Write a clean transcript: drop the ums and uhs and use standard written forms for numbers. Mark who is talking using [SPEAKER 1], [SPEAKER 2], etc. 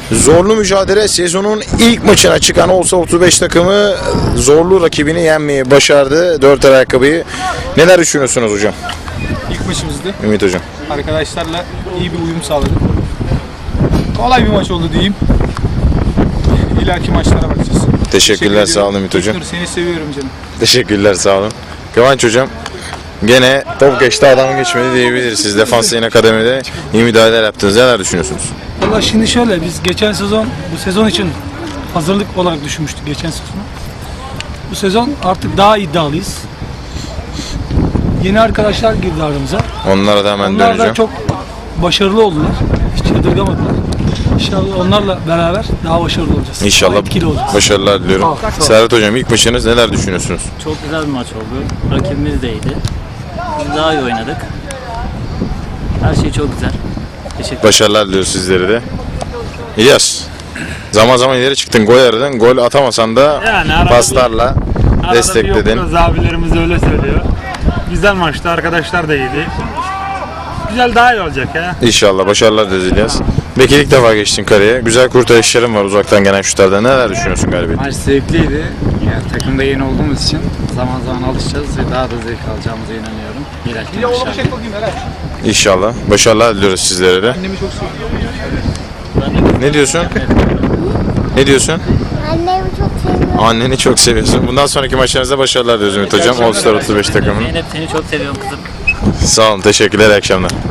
[SPEAKER 1] Zorlu mücadele, sezonun ilk maçına çıkan olsa 35 takımı zorlu rakibini yenmeyi başardı. 4 ayakkabıyı. Neler düşünüyorsunuz hocam?
[SPEAKER 2] İlk maçımızdı.
[SPEAKER 1] Ümit hocam.
[SPEAKER 2] Arkadaşlarla iyi bir uyum sağladık. Kolay bir maç oldu diyeyim. İleriki maçlara bakacağız.
[SPEAKER 1] Teşekkürler, sağ olun Ümit hocam.
[SPEAKER 2] Dur, seni seviyorum canım.
[SPEAKER 1] Teşekkürler, sağ olun. Kıvanç hocam. Gene top geçti, adam geçmedi diyebiliriz. Siz defans yayın akademide iyi müdahaleler yaptınız. Neler düşünüyorsunuz?
[SPEAKER 3] Valla şimdi şöyle, biz geçen sezon bu sezon için hazırlık olarak düşünmüştük geçen sezonu. Bu sezon artık daha iddialıyız. Yeni arkadaşlar girdi aramıza.
[SPEAKER 1] Onlara da hemen
[SPEAKER 3] Onlar da
[SPEAKER 1] döneceğim.
[SPEAKER 3] çok başarılı oldular. Hiç yadırgamadılar. İnşallah onlarla beraber daha başarılı olacağız.
[SPEAKER 1] İnşallah
[SPEAKER 3] Daha etkili olacağız.
[SPEAKER 1] başarılar diliyorum. Serhat hocam, ilk maçınız, neler düşünüyorsunuz?
[SPEAKER 4] Çok güzel bir maç oldu. Rakibimiz de iyiydi. Biz daha iyi oynadık. Her şey çok güzel. Teşekkür
[SPEAKER 1] Başarılar diliyoruz sizlere de. İlyas, zaman zaman ileri çıktın, gol aradın. Gol atamasan da
[SPEAKER 5] Yani arada
[SPEAKER 1] paslarla destekledin.
[SPEAKER 5] Arada bir abilerimiz öyle söylüyor. Güzel maçtı, arkadaşlar da iyiydi. Güzel, daha iyi olacak ya.
[SPEAKER 1] İnşallah başarılar diliyoruz İlyas. Bekir, ilk defa geçtin kareye. Güzel kurtarışların var uzaktan gelen şutlarda. Neler düşünüyorsun galibiyet?
[SPEAKER 6] Maç zevkliydi. Yani takımda yeni olduğumuz için zaman zaman alışacağız ve daha da zevk alacağımıza inanıyorum. İleriki maçlarda.
[SPEAKER 1] İnşallah. Başarılar diliyoruz sizlere de.
[SPEAKER 2] Annemi çok seviyorum.
[SPEAKER 1] Ne diyorsun? Ne diyorsun?
[SPEAKER 7] Annemi çok seviyorum.
[SPEAKER 1] Anneni çok seviyorsun. Bundan sonraki maçlarınızda başarılar diliyoruz Ümit hocam. All Star 35 takımının.
[SPEAKER 4] Zeynep, seni çok seviyorum kızım.
[SPEAKER 1] Sağ olun. Teşekkürler. İyi akşamlar.